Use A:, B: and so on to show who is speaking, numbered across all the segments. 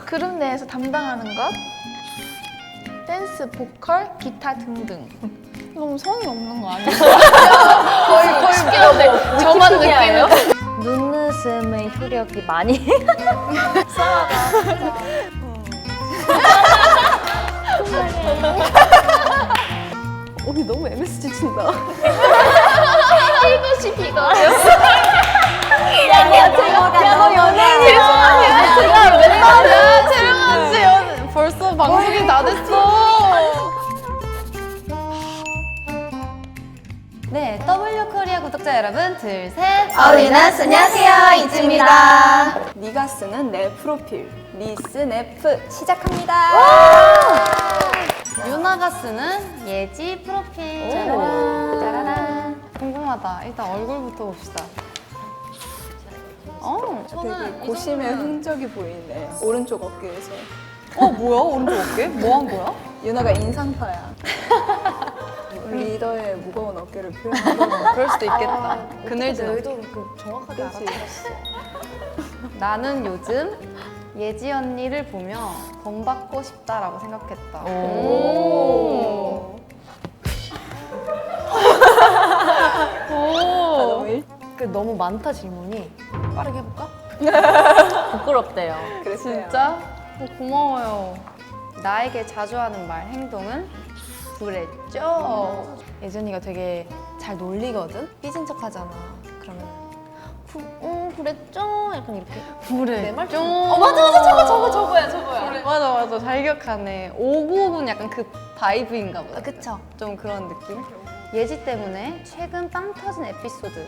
A: 그룹 내에서 담당하는 것, 댄스, 보컬, 기타 등등. 너무 성의 없는 거 아니에요? 거의 웃기는데 저만 느끼는.
B: 눈웃음의 효력이 많이
C: 언니 너무 MSG 친다.
A: 1교시 비거였어.
B: 너 연예인이야.
A: 제가 맨날 채령아 씨 벌써 방송이 다 됐어.
B: 네, W 코리아 구독자 여러분, 둘, 셋.
A: 어린아스 안녕하세요, 이지입니다.
C: 네가 쓰는 내 프로필 리스 네프 시작합니다.
B: 유나가 쓰는 예지 프로필. 짜라란. 궁금하다. 일단 얼굴부터 봅시다.
C: 되게 고심의 흔적이 보이네. 오른쪽 어깨에서.
B: 뭐야? 오른쪽 어깨? 뭐 한 거야?
C: 유나가 인상파야. 리더의 무거운 어깨를 표현하고.
B: 그럴 수도 있겠다. 그늘진 어깨.
A: 의도를 정확하게
C: 그치.
B: 나는 요즘 예지 언니를 보며 본받고 싶다라고 생각했다.
C: 오.
A: 너무 많다 질문이. 빠르게 해볼까?
B: 부끄럽대요.
C: 그랬어요.
B: 진짜? 고마워요. 나에게 자주 하는 말, 행동은 그랬죠?
A: 예전이가 되게 잘 놀리거든? 삐진 척 하잖아. 그러면 그랬죠? 약간 이렇게.
B: 그래.
A: 내 말
B: 좀.
A: 맞아. 저거야.
B: 맞아. 잘 기억하네. 59분 약간 그 바이브인가 보다.
A: 그쵸.
B: 좀 그런 느낌? 예지 때문에 최근 빵 터진 에피소드.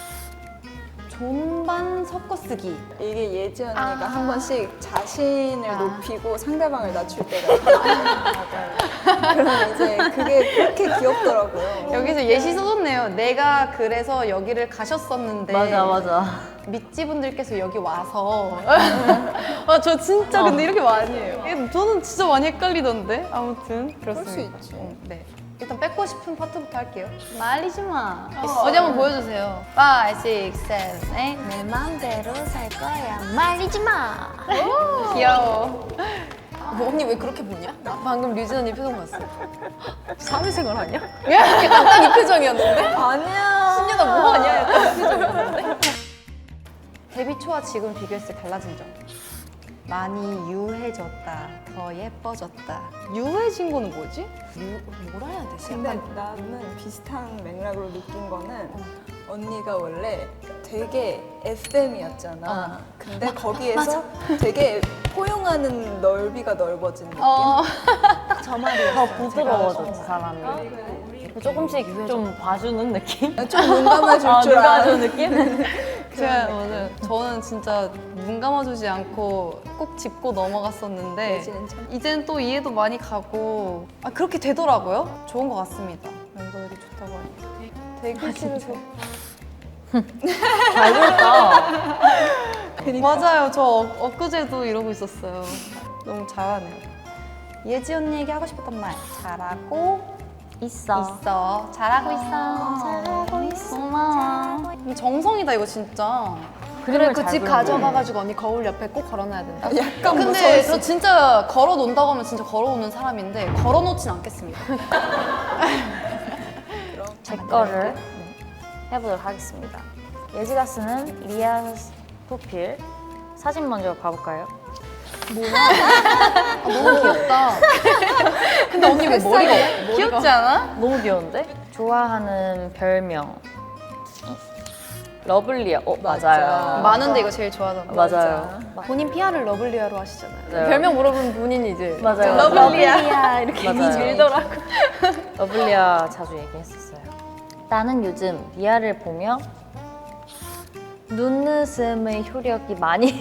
B: 존반 섞어쓰기.
C: 이게 예지 언니가
A: 아.
C: 한 번씩 자신을 높이고 상대방을 낮출 때가 있어요. 그러면 이제 그게 그렇게 귀엽더라고요.
B: 여기서 예시 써줬네요. 내가 그래서 여기를 가셨었는데.
D: 맞아.
B: 밑지 분들께서 여기 와서. 저 진짜 근데 이렇게 많이 해요. 저는 진짜 많이 헷갈리던데. 아무튼 그렇습니다.
C: 수 있지.
B: 네. 일단 뺏고 싶은 파트부터 할게요. 말리지 마.
A: 어디 한번 보여주세요.
B: 5, 6, 7, 8.
A: 내 마음대로 살 거야. 말리지 마.
B: 귀여워.
A: 언니 왜 그렇게 보냐? 방금 류진 언니 표정 봤어. 사회생활 하냐?
B: 약간 딱 이 표정이었는데?
C: 아니야.
B: 신녀다 뭐하냐? 약간 이 표정이었는데? 데뷔 초와 지금 비교했을 때 달라진 점. 많이 유해졌다. 더 예뻐졌다. 유해진 거는 뭐지?
A: 뭐라 해야 되지?
C: 근데 나는 비슷한 맥락으로 느낀 거는 언니가 원래 되게 FM이었잖아. 근데 거기에서 되게 포용하는 넓이가 넓어진 느낌?
A: 저 말이야.
D: 더 부드러워졌지 사람이. 조금씩 좀 봐주는 느낌?
C: 좀 눈 감아줄 줄
D: 누가
C: 아는
D: 아는 느낌?
B: 저는 진짜 눈 감아주지 않고 꼭 짚고 넘어갔었는데
C: 예지는 참
B: 이제는 또 이해도 많이 가고 그렇게 되더라고요. 좋은 것 같습니다. 멤버들이 좋다고 하니까. 되게 싫어서.
D: 잘 들었다.
B: 맞아요. 저 엊그제도 이러고 있었어요. 너무 잘하네요. 예지 언니에게 하고 싶었던 말. 잘하고
D: 있어.
B: 잘하고 있어.
A: 잘하고 있어.
D: 고마워.
B: 정성이다 이거 진짜.
D: 그림을
A: 그
D: 잘
A: 집
D: 그렸네.
A: 가져가가지고 언니 거울 옆에 꼭 걸어놔야 된다.
C: 약간
B: 근데
C: 무서웠어.
B: 저 진짜 걸어 놓는다고 하면 진짜 걸어 놓는 사람인데 걸어 놓진 않겠습니다.
D: 제 거를 해보도록 하겠습니다. 예지가 쓰는 리아 프로필 사진 먼저 봐볼까요?
B: 너무 귀엽다. 근데 언니 왜 머리가 귀엽지 않아?
D: 너무 귀여운데? 좋아하는 별명 러블리아. 맞아요.
B: 많은데 이거 제일 좋아하잖아.
D: 맞아요.
A: 본인 PR을 러블리아로 하시잖아요.
D: 맞아요.
A: 별명 물어보면 본인이 이제
D: 맞아요.
A: 러블리아 이렇게
D: 맞아요.
A: 밀더라고.
D: 러블리아 자주 얘기했었어요. 나는 요즘 리아를 보며 눈웃음의 효력이 많이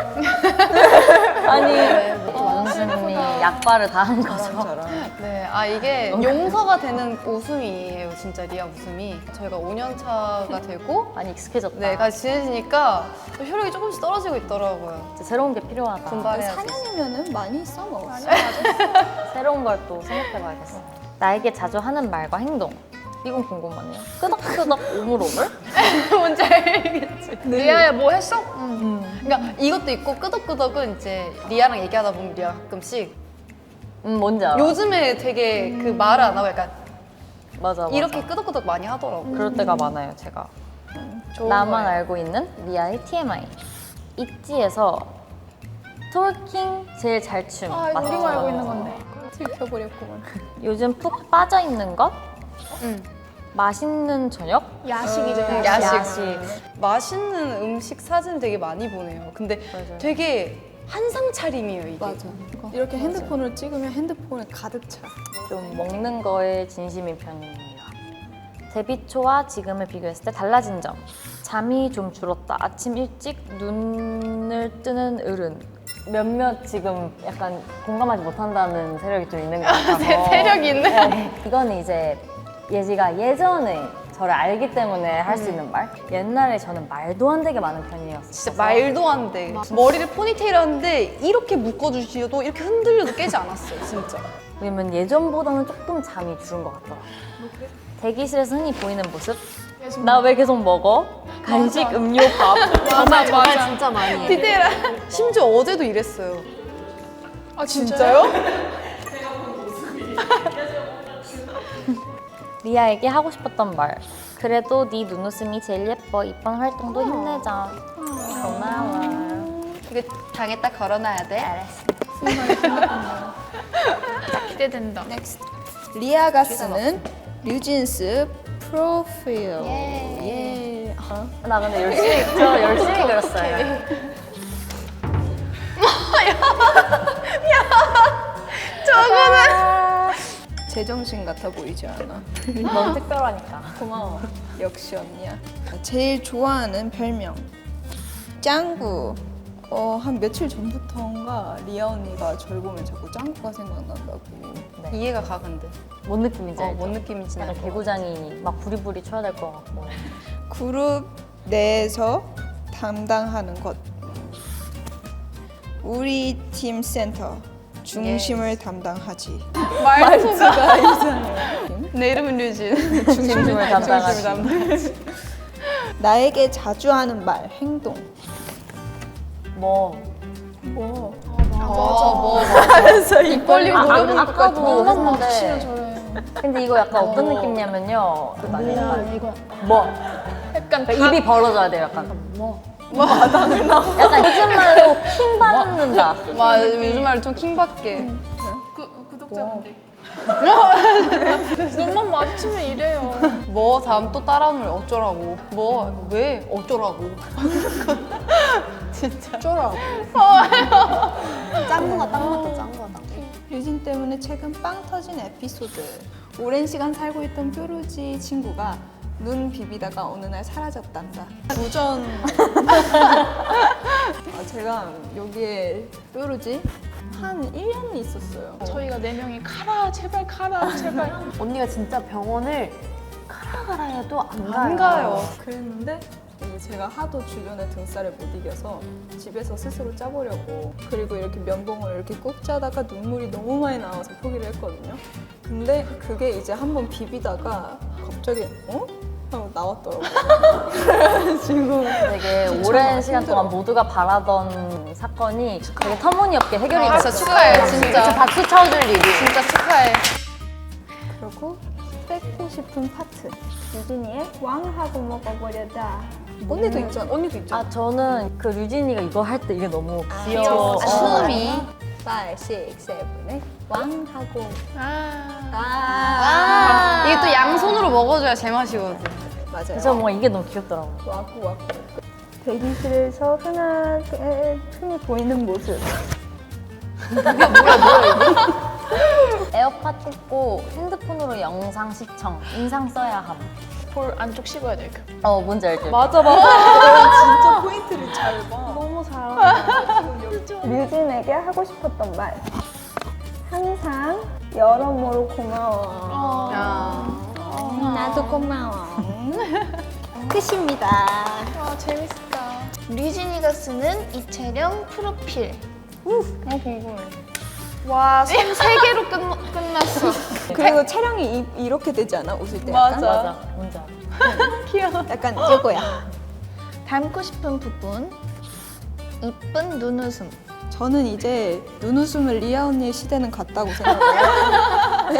D: 눈웃음이 약발을 당한 거죠.
C: 저랑
B: 네, 이게 용서가 되는 웃음이에요, 진짜 리아 웃음이. 저희가 5년 차가 되고
D: 많이 익숙해졌다.
B: 네, 같이 지내지니까 효력이 조금씩 떨어지고 있더라고요.
D: 이제 새로운 게 필요하다.
B: 분발해야지.
C: 4년이면은 많이 써먹었어.
D: 새로운 걸 또 생각해봐야겠어. 나에게 자주 하는 말과 행동. 이건 궁금하네요. 끄덕끄덕 오물오물?
B: 뭔지 알겠지?
A: 리아야 뭐 했어?
B: 그러니까 이것도 있고 끄덕끄덕은 이제 리아랑 얘기하다 보면 리아가 가끔씩
D: 뭔지 알아.
B: 요즘에 되게 그 말을 안 하고 약간
D: 맞아.
B: 이렇게 끄덕끄덕 많이 하더라고.
D: 그럴 때가 많아요, 제가.
B: 좋은
D: 나만
B: 거예요.
D: 알고 있는 리아의 TMI. 있지에서 톨킹 제일 잘 춤.
A: 아 이거
D: 맞죠?
A: 우리만 알고 있는 건데.
C: 들켜버렸구만.
D: 요즘 푹 빠져 있는 것?
B: 응.
D: 맛있는 저녁?
A: 야식이죠.
B: 야식. 맛있는 음식 사진 되게 많이 보내요. 근데
D: 맞아요.
B: 되게 한상 차림이에요, 이게.
C: 맞아. 이렇게 핸드폰으로 찍으면 핸드폰에 가득 차.
D: 좀 먹는 거에 진심인 편입니다. 데뷔 초와 지금을 비교했을 때 달라진 점. 잠이 좀 줄었다. 아침 일찍 눈을 뜨는 어른. 몇몇 지금 약간 공감하지 못한다는 세력이 좀 있는 것 같아서.
B: 세력이 있네.
D: 네. 이거는 이제 예지가 예전에 저를 알기 때문에 할 수 있는 말. 옛날에 저는 말도 안 되게 많은 편이었어요.
B: 진짜 말도 안 돼. 머리를 포니테일 하는데 이렇게 묶어주셔도 이렇게 흔들려도 깨지 않았어요, 진짜.
D: 왜냐면 예전보다는 조금 잠이 줄은 것 같더라고요. 대기실에서 흔히 보이는 모습? 나 왜 계속 먹어? 간식, 음료, 밥.
A: 맞아.
D: 진짜 많이 해.
B: 디테일한. 심지어 어제도 이랬어요.
A: 아 진짜요?
D: 리아에게 하고 싶었던 말. 그래도 네 눈웃음이 제일 예뻐. 이번 활동도 힘내자. 고마워.
B: 이거 당에다 걸어놔야 돼.
D: 알았어.
A: 기대된다.
C: 리아가 쓰는 류진스 프로필. 예.
D: 나 근데 열심히 그렸어요.
C: 제정신 같아 보이지 않아.
D: 너무 특별하니까.
C: 고마워. 역시 언니야. 제일 좋아하는 별명. 짱구. 한 며칠 전부터인가 리아 언니가 저를 보면 자꾸 짱구가 생각난다고.
B: 이해가 가, 근데.
D: 뭔 느낌인지 알죠?
B: 뭔 느낌인지
D: 약간
B: 알 것 같아.
D: 개구장이 막 부리부리 쳐야 될 것 같고.
C: 그룹 내에서 담당하는 것. 우리 팀 센터 중심을 담당하지.
B: 말투가 이상해. 내 이름은 류진.
D: 중심을 담당하지.
C: 나에게 자주 하는 말, 행동.
D: 뭐.
C: 하면서 입 벌리고
D: 아까도
A: 치면
D: 했는데.
A: 저래.
D: 근데 이거 약간 어떤 느낌이냐면요.
A: 이거
D: 뭐.
A: 약간
D: 그러니까 입이 벌어져야 돼요. 약간 약간 요즘 말로 킹 받는다.
B: 요즘 말로 좀 킹받게.
A: 구독자분들. 눈만 마주치면 이래요.
B: 뭐 다음 또 따라오면 어쩌라고. 뭐 왜 어쩌라고. 진짜.
C: 쫄아.
B: 짱구가 딱 맞다, 짱구가 딱.
C: 유진 때문에 최근 빵 터진 에피소드. 오랜 시간 살고 있던 뾰루지 친구가 눈 비비다가 어느 날 사라졌단다. 도전. 제가 여기에 뾰루지 한 1년 있었어요.
A: 저희가 4명이 카라 제발 카라 제발.
D: 언니가 진짜 병원을 가라 해도
B: 안 가요.
C: 그랬는데 이제 제가 하도 주변의 등살을 못 이겨서 집에서 스스로 짜보려고, 그리고 이렇게 면봉을 이렇게 꾹 짜다가 눈물이 너무 많이 나와서 포기를 했거든요. 근데 그게 이제 한번 비비다가 갑자기 하고 나왔더라고요. 그래가지고
D: 되게 오랜 시간 동안 모두가 바라던 사건이 되게 터무니없게 해결이
B: 진짜
D: 됐어요.
B: 축하해, 진짜.
D: 박수 쳐줄 일이.
B: 진짜 축하해.
C: 그리고 뺏고 싶은 파트. 유진이의 왕하고 먹어버려다. 언니도 있잖아. 언니도 있잖아.
D: 아 저는 그 류진이가 이거 할 때 이게 너무 귀여워.
B: 귀여워. 춤이.
C: 5, 6, 7의 왕하고.
B: 이게 또 양손으로 먹어줘야 제맛이거든.
C: 맞아요.
D: 그래서 뭔가 이게 너무 귀엽더라고요.
C: 와꾸. 대기실에서 흔히 보이는 모습.
D: 에어팟 꽂고 핸드폰으로 영상 시청, 인상 써야 함.
A: 볼 안쪽 씹어야 돼.
D: 뭔지 알죠?
B: 맞아.
C: 진짜 포인트를 잘 봐.
D: 너무 잘한다.
C: 류진에게 하고 싶었던 말. 항상 여러모로 고마워. 나도 고마워. 끝입니다.
A: 아 재밌다. 류진이가 쓰는 이채령 프로필.
B: 궁금해.
A: 와, 손 3개로 끝났어.
C: 그리고 촬영이 이렇게 되지 않아? 웃을 때 약간?
D: 맞아. 뭔지 알아.
C: 약간 이거야.
A: 닮고 싶은 부분. 이쁜 눈웃음.
C: 저는 이제 눈웃음을 리아 언니의 시대는 갔다고 생각해요.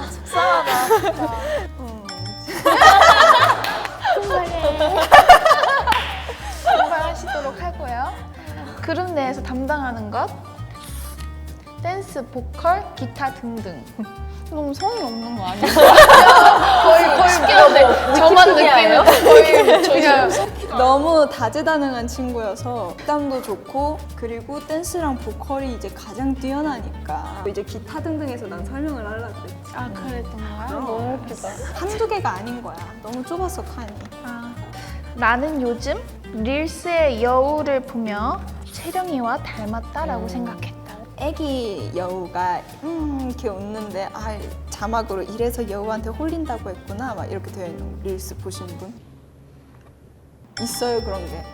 A: 공부하시도록 하고요. 그룹 내에서 담당하는 것. 댄스, 보컬, 기타 등등. 너무 성의 없는 거 아니에요? 거의 쉽게 저만 느끼는 거의 그냥
C: 너무 다재다능한 친구여서 땀도 좋고 그리고 댄스랑 보컬이 이제 가장 뛰어나니까 이제 기타 등등해서 난 설명을 하려고 그랬지.
A: 아 그랬던 거야?
C: 너무 웃기다. 한두 개가 아닌 거야. 너무 좁았어 칸이.
A: 아, 나는 요즘 릴스의 여우를 보며 채령이와 닮았다라고 생각했다.
C: 애기 여우가 이렇게 웃는데 아 자막으로 이래서 여우한테 홀린다고 했구나 막 이렇게 되어 있는 릴스 보신 분 있어요 그런 게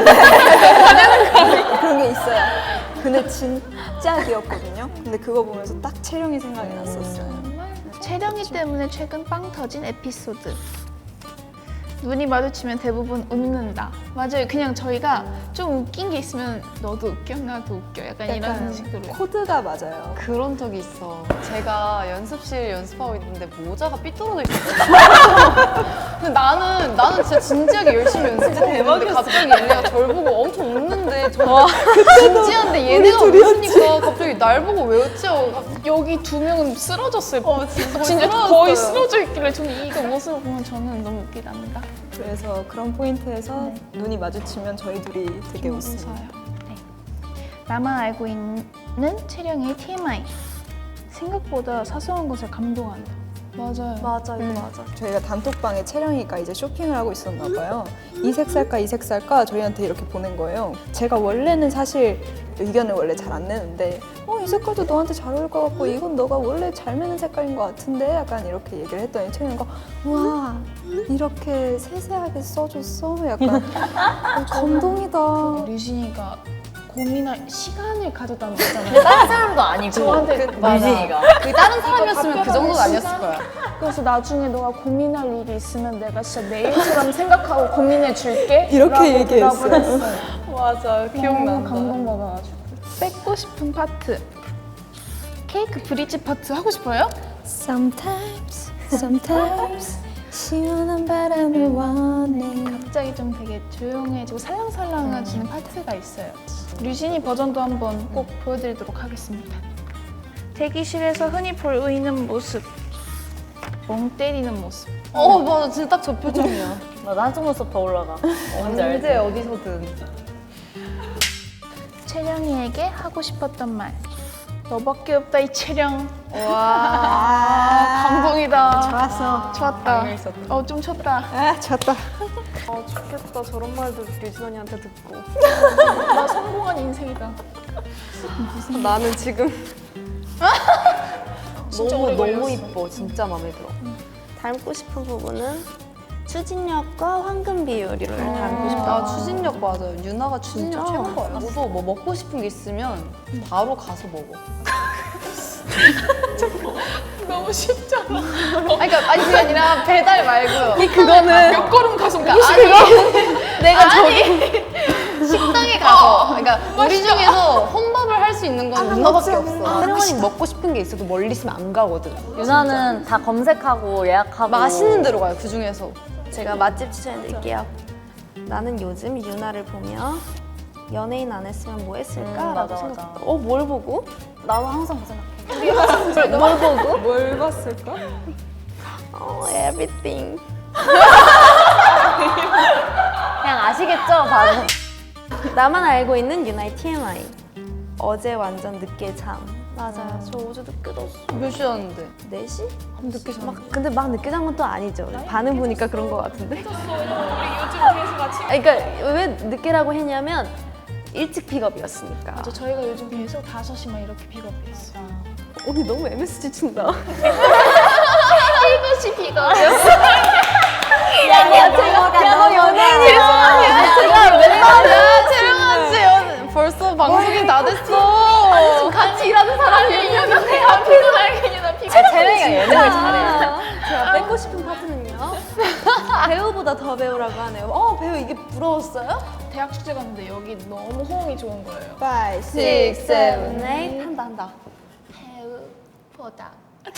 C: 그런 게 있어요. 근데 진짜 귀엽거든요. 근데 그거 보면서 딱 채령이 생각이 났었어요.
A: 채령이 때문에 최근 빵 터진 에피소드. 눈이 마주치면 대부분 웃는다. 맞아요. 그냥 저희가 좀 웃긴 게 있으면 너도 웃겨, 나도 웃겨. 약간 이런 식으로.
C: 코드가 맞아요.
B: 그런 적이 있어. 제가 연습실 연습하고 있는데 모자가 삐뚤어져 있었어. 근데 나는 진짜 진지하게 열심히 연습하고 있는데 갑자기 얘네가 저를 보고 엄청 웃는데 저는 진지한데 얘네가 웃으니까 갑자기 날 보고 왜 웃지? 하고
A: 여기 2명은 쓰러졌어요. 진짜
B: 쓰러졌어요.
A: 거의 쓰러져 있길래 저는 이거 모습을 보면 저는 너무 웃기답니다.
C: 그래서 그런 포인트에서 눈이 마주치면 저희 둘이 되게 웃어요.
A: 네. 나만 알고 있는 채령의 TMI. 생각보다 사소한 것에 감동한다. 맞아요.
B: 맞아 이거 맞아.
C: 저희가 단톡방에 채령이가 이제 쇼핑을 하고 있었나 봐요. 이 색 살까 이 색 살까 저희한테 이렇게 보낸 거예요. 제가 원래는 사실 의견을 원래 잘 안 내는데 이 색깔도 너한테 잘 어울릴 것 같고 이건 너가 원래 잘 매는 색깔인 것 같은데 약간 이렇게 얘기를 했더니 채령이가 와 이렇게 세세하게 써줬어? 약간 감동이다.
A: 류진이가 고민할 시간을 가졌다는 거잖아요.
D: 다른 사람도 아니고
A: 저한테
D: 유진이가.
B: 그 다른 사람이었으면 그 정도는 아니었을 거야.
A: 그래서 나중에 너가 고민할 일이 있으면 내가 진짜 내일처럼 생각하고 고민해 줄게.
C: 이렇게 얘기했어요.
B: 맞아
A: 너무 감동받아가지고. 뺏고 싶은 파트. 케이크 브릿지 파트 하고 싶어요?
C: Sometimes 시원한 바람을 원해.
A: 갑자기 좀 되게 조용해지고 살랑살랑해지는 파트가 있어요. 류진이 버전도 한번 꼭 보여드리도록 하겠습니다. 대기실에서 흔히 보이는 모습. 멍 때리는 모습.
B: 맞아 진짜 딱 저 표정이야.
D: 나도 한쪽 눈썹 더 올라가. 뭔지 알지?
B: 언제 어디서든.
A: 채령이에게 하고 싶었던 말. 너밖에 없다 이 채령.
C: 와
A: 감동이다.
C: 좋았어.
A: 좋았다. 좀 쳤다.
C: 아 좋다.
B: 아 좋겠다 저런 말도 류진 언니한테 듣고.
A: 나 성공한 인생이다.
B: 나는 지금
A: 진짜 오래
B: 너무
A: 걸렸어.
B: 이뻐. 진짜 마음에 들어.
E: 닮고 싶은 부분은 추진력과 황금 비율을 닮고 싶다.
B: 나 추진력 맞아요. 유나가 추진력 최고인 거야. 저도 뭐 먹고 싶은 게 있으면 바로 가서 먹어.
A: 너무 쉽잖아.
B: 아니 그게 아니라 배달 말고요.
A: 몇 걸음 가서 먹고 싶어.
B: 내가 저기 식당에 가서 그러니까 우리 중에서 혼밥을 할 수 있는 건 유나밖에 없어. 혜령언니 먹고 싶은 게 있어도 멀리 있으면 안 가거든.
D: 유나는 다 검색하고 예약하고
B: 맛있는 데로 가요. 그 중에서.
E: 제가 맛집 추천해드릴게요. 나는 요즘 유나를 보며 연예인 안 했으면 뭐 했을까라고
D: 맞아,
E: 생각했다.
D: 맞아.
E: 뭘 보고?
D: 나도 항상 그 생각해.
E: 뭘 보고?
C: 뭘 봤을까?
E: Everything.
D: 그냥 아시겠죠? 바로.
E: 나만 알고 있는 유나의 TMI. 어제 완전 늦게 잠. 맞아요. 저 어제 늦게 잤어.
B: 몇 시였는데?
E: 4시?
B: 늦게 잤
E: 근데 막 늦게 잔 건 또 아니죠. 반응 보니까 그런 것 같은데.
A: 우리 요즘 계속 같이.
E: 그러니까 왜 늦게라고 했냐면 일찍 픽업이었으니까.
A: 맞아, 저희가 요즘 계속 5시만 이렇게 픽업했어.
E: 언니 너무 MSG 친다.
A: 7시 픽업이었어.
E: 야너 연예인이야.
B: 제가 맨날 채령아 씨 벌써 방송이 다 됐어.
E: 같이 일하는 사람이 더 배우라고 하네요. 배우 이게 부러웠어요?
A: 대학 축제 갔는데 여기 너무 호응이 좋은 거예요.
C: 5, 6,
E: 6,
C: 7,
E: 7, 8 한다.
A: 배우보다.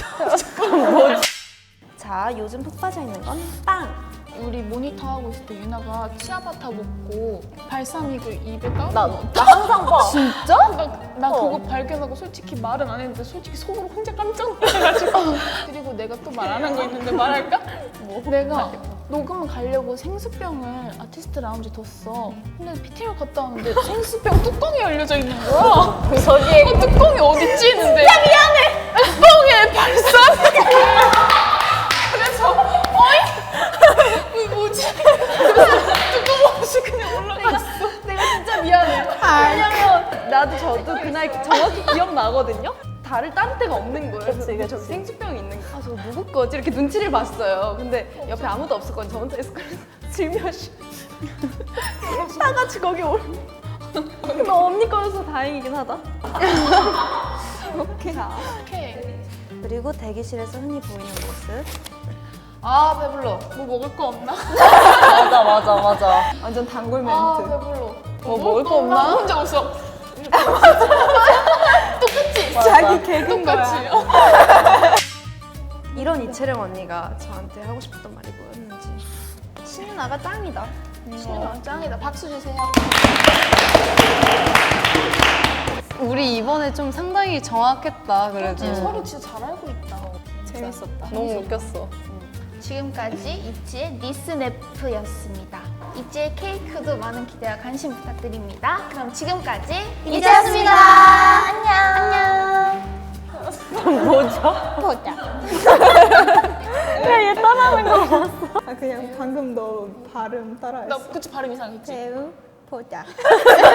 E: 자, 요즘 푹 빠져 있는 건 빵.
A: 우리 모니터 하고 있을 때 유나가 치아바타 먹고 발사믹을 입에 까고
D: 나 항상 봐.
A: 나 그거 발견하고 솔직히 말은 안 했는데 솔직히 속으로 혼자 깜짝 놀라가지고 그리고 내가 또 말 안 한 거 있는데 말할까? 내가 녹음 가려고 생수병을 아티스트 라운지 뒀어. 근데 PT를 갔다 왔는데 생수병 뚜껑이 열려져 있는 거야.
D: 저기에
A: 뚜껑이 어딨지 했는데 야 미안해! 뚜껑에 발사믹! 그래서 어이? 이거 뭐지? 그래서 뚜껑 없이 그냥 올라갔어.
B: 내가 진짜 미안해. 왜냐면 나도 저도 그날 정확히 기억나거든요. 다를 딴 데가 없는 거예요. 그래서 저기 생수병이 있는 거. 저거 누구 거지? 이렇게 눈치를 봤어요. 근데 옆에 아무도 없었거든요. 저 혼자 있었거든요. 슬며시 다 같이 거기 올. 근데 언니 거여서 다행이긴 하다.
C: 오케이.
A: 오케이.
E: 그리고 대기실에서 흔히 보이는 모습.
A: 아 배불러. 뭐 먹을 거 없나?
D: 맞아.
C: 완전 단골 멘트.
A: 아 배불러.
B: 뭐 먹을 거 없나?
A: 혼자 웃어. 똑같지?
C: 자기 개그인
A: 똑같이.
C: 거야.
B: 이런 이채령 언니가 저한테 하고 싶었던 말이 뭐였는지.
E: 신유나가 짱이다.
A: 짱이다. 박수 주세요.
B: 우리 이번에 좀 상당히 정확했다. 그래도
A: 서로 진짜 잘 알고 있다.
C: 재밌었다.
B: 너무 웃겼어.
A: 지금까지 이치의 니스네프였습니다. 이치의 케이크도 많은 기대와 관심 부탁드립니다. 그럼 지금까지
E: 이제였습니다.
A: 안녕.
C: 아, 그냥 방금 너 발음 따라했어.
A: 나 그치 발음 이상했지?
C: 배우 보자.